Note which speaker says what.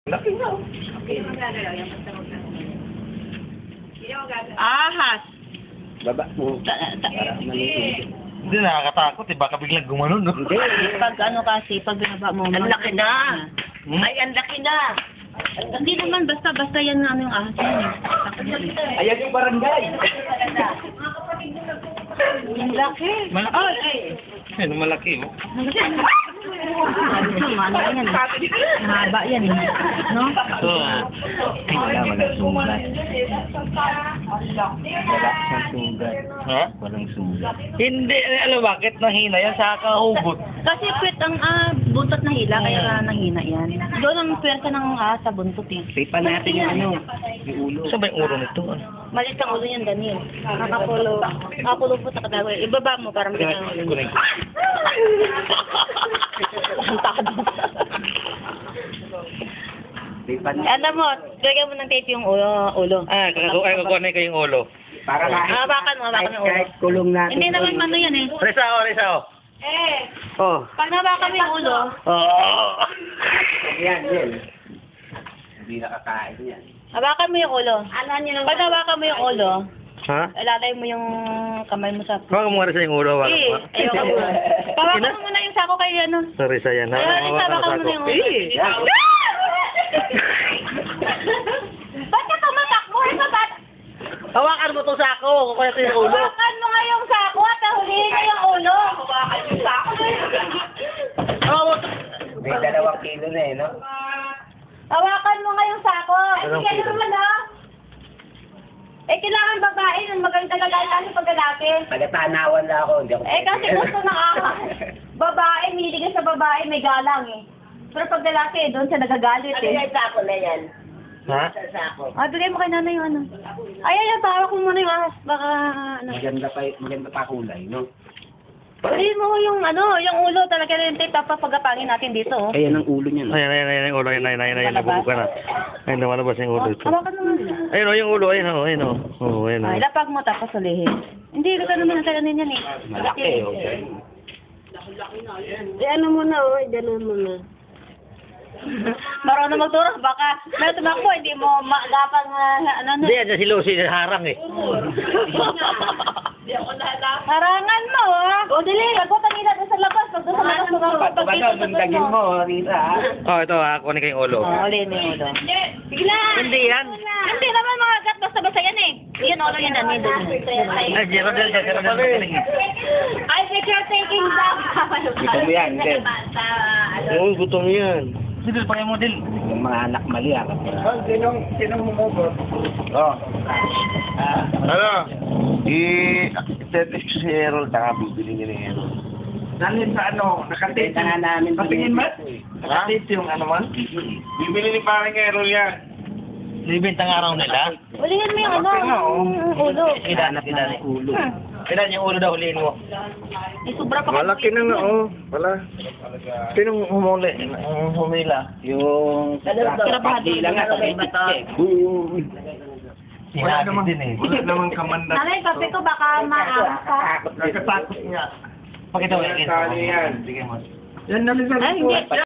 Speaker 1: Laki nga.
Speaker 2: Ahas.
Speaker 3: Baba mo.
Speaker 1: Hindi, nakakatakot eh. Baka biglang gumanon, no?
Speaker 3: Hindi.
Speaker 2: Pag ano kasi, pag binaba mo.
Speaker 3: Ang laki na.
Speaker 1: Hmm?
Speaker 3: Ay, ang laki na.
Speaker 2: Hindi naman, basta yan na ano yung ahas yan.
Speaker 3: Ayan yung barangay.
Speaker 2: Yung laki.
Speaker 1: Malaki. Ano malaki, oh.
Speaker 2: Ano yan? Mahaba yan. No?
Speaker 1: Oo.
Speaker 3: Walang sugat. Walang sugat.
Speaker 1: Ha?
Speaker 3: Walang sugat.
Speaker 1: Hindi, alam bakit nahina yan sa kahugot.
Speaker 2: Kasi pwet ang buntot na hila, kaya nahina yan. Doon ang pwersa ng ahas sa buntot eh.
Speaker 3: Sipan natin yung ano, yung ulo.
Speaker 1: Saan ba yung ulo nito?
Speaker 2: Malit ang ulo yan, Daniel. Nakapulo po sa katawa. Ibaba mo para makita ang ulo niya. Ang takot.
Speaker 3: Sipan
Speaker 2: Alam mo, lagyan mo ng tape yung ulo.
Speaker 1: Kukunin ko yung ulo.
Speaker 3: Para
Speaker 2: Hawakan mo yung ulo.
Speaker 3: kahit kulong natin.
Speaker 2: Hindi naman mano yan eh.
Speaker 1: Risa. Oh.
Speaker 2: Pag nawakan mo yung ulo,
Speaker 1: Oh.
Speaker 3: Yan. Hindi nakakain yan.
Speaker 2: hawakan mo yung ulo. Pag nawakan mo yung ulo,
Speaker 1: Ha?
Speaker 2: ilalay mo yung kamay mo sa...
Speaker 1: Huwag mo nga Risa yung ulo.
Speaker 2: Eh, ayoko mo. Pawakan mo muna yung sako kay ano.
Speaker 1: Sorry, Risa yan.
Speaker 2: Ayun, hawakan mo na yung ulo. Ba't ka tumatakbo? Ito ba?
Speaker 1: Hawakan mo to sako. Kukunin ko yung ulo.
Speaker 2: Hawakan mo nga yung sako at hulihin mo yung ulo. Hawakan yung sako.
Speaker 3: May 2 kilo na eh, no?
Speaker 2: Hawakan mo nga yung sako.
Speaker 1: Anong
Speaker 2: Sige
Speaker 1: kilo?
Speaker 2: naman ha. Kailangan babae ng maganda kasi pag lalaki.
Speaker 3: Taga-tanawan lang ako, hindi ako.
Speaker 2: Kasi gusto ng babae, mihilig sa babae, may galang eh. Pero pag lalaki, doon siya nagagalit eh.
Speaker 3: Ano yung sako na yan?
Speaker 1: Ha?
Speaker 3: Sako.
Speaker 2: Bigay mo kay nanay yung ano. Ay, tawag ko muna yung ahas. Baka ano.
Speaker 3: Maganda pa kulay, no?
Speaker 2: Uli mo yung yung ulo talaga rin tape, papagapangin natin dito. Oh.
Speaker 3: Ayan ang ulo niya, no?
Speaker 1: Ayan, yung ulo. Ayan, nabubuka na. Ayun, lumalabas yung ulo ito.
Speaker 2: Hawakan mo nga.
Speaker 1: Ayun, yung ulo. Ayun. Oo, ayun.
Speaker 2: Ay, lapag mo tapos ulihin. Hindi, ka naman ang kalanin yan eh.
Speaker 3: Malaki, oh.
Speaker 2: Ano muna, gano'n muna. Marunong magturo, baka may tumakbo, hindi mo magapang
Speaker 1: Hindi, yan si Lucy, harang eh.
Speaker 2: Harangan mo, ha? O, dili, pagkutan nila doon sa labas. Pag doon sa labas,
Speaker 3: Bundagin mo, Rita, ha?
Speaker 1: Oh, ito ha, kunin ko yung ulo.
Speaker 2: Ulihin mo yung ulo. Bigla!
Speaker 1: Hindi yan.
Speaker 2: Hindi naman mga gat, basta-basta yan eh. Yan, ulo yan, namin doon.
Speaker 1: Ay, Geraldel.
Speaker 2: I think you're taking back.
Speaker 3: Gutom yan, hindi.
Speaker 1: Oo, gutom yan. Hindi, pakay mo din.
Speaker 3: Yung mga anak mali, ha? Sinong humugot? Oh.
Speaker 4: Ano? I-tetext si Harold, saka bibili niya ni Harold.
Speaker 3: Nanin sa ano? Nakatape na namin.
Speaker 4: Patingin ba?
Speaker 3: Nakatape yung ano man?
Speaker 4: Bibili ni parang Harold yan.
Speaker 1: Libintang araw nila.
Speaker 2: Ulihin mo yung yung ulo.
Speaker 1: Ilan
Speaker 3: Ulo.
Speaker 1: Ilan yung ulo daw huliin mo?
Speaker 2: Eh, sobra pa.
Speaker 4: Malaki na nga, oh. Wala. Sinong humila?
Speaker 3: Yung...
Speaker 2: Kirabahan.
Speaker 3: Hindi lang nga.
Speaker 1: Sinabi din eh.
Speaker 4: Wala namang kamanda.
Speaker 2: Nanay, kape ko baka maangas ka.
Speaker 4: Nakatakot nga.
Speaker 1: Pakita mo.
Speaker 4: Kali yan.
Speaker 1: Sige mo.
Speaker 4: Yan, nalisan
Speaker 2: Ay, hindi.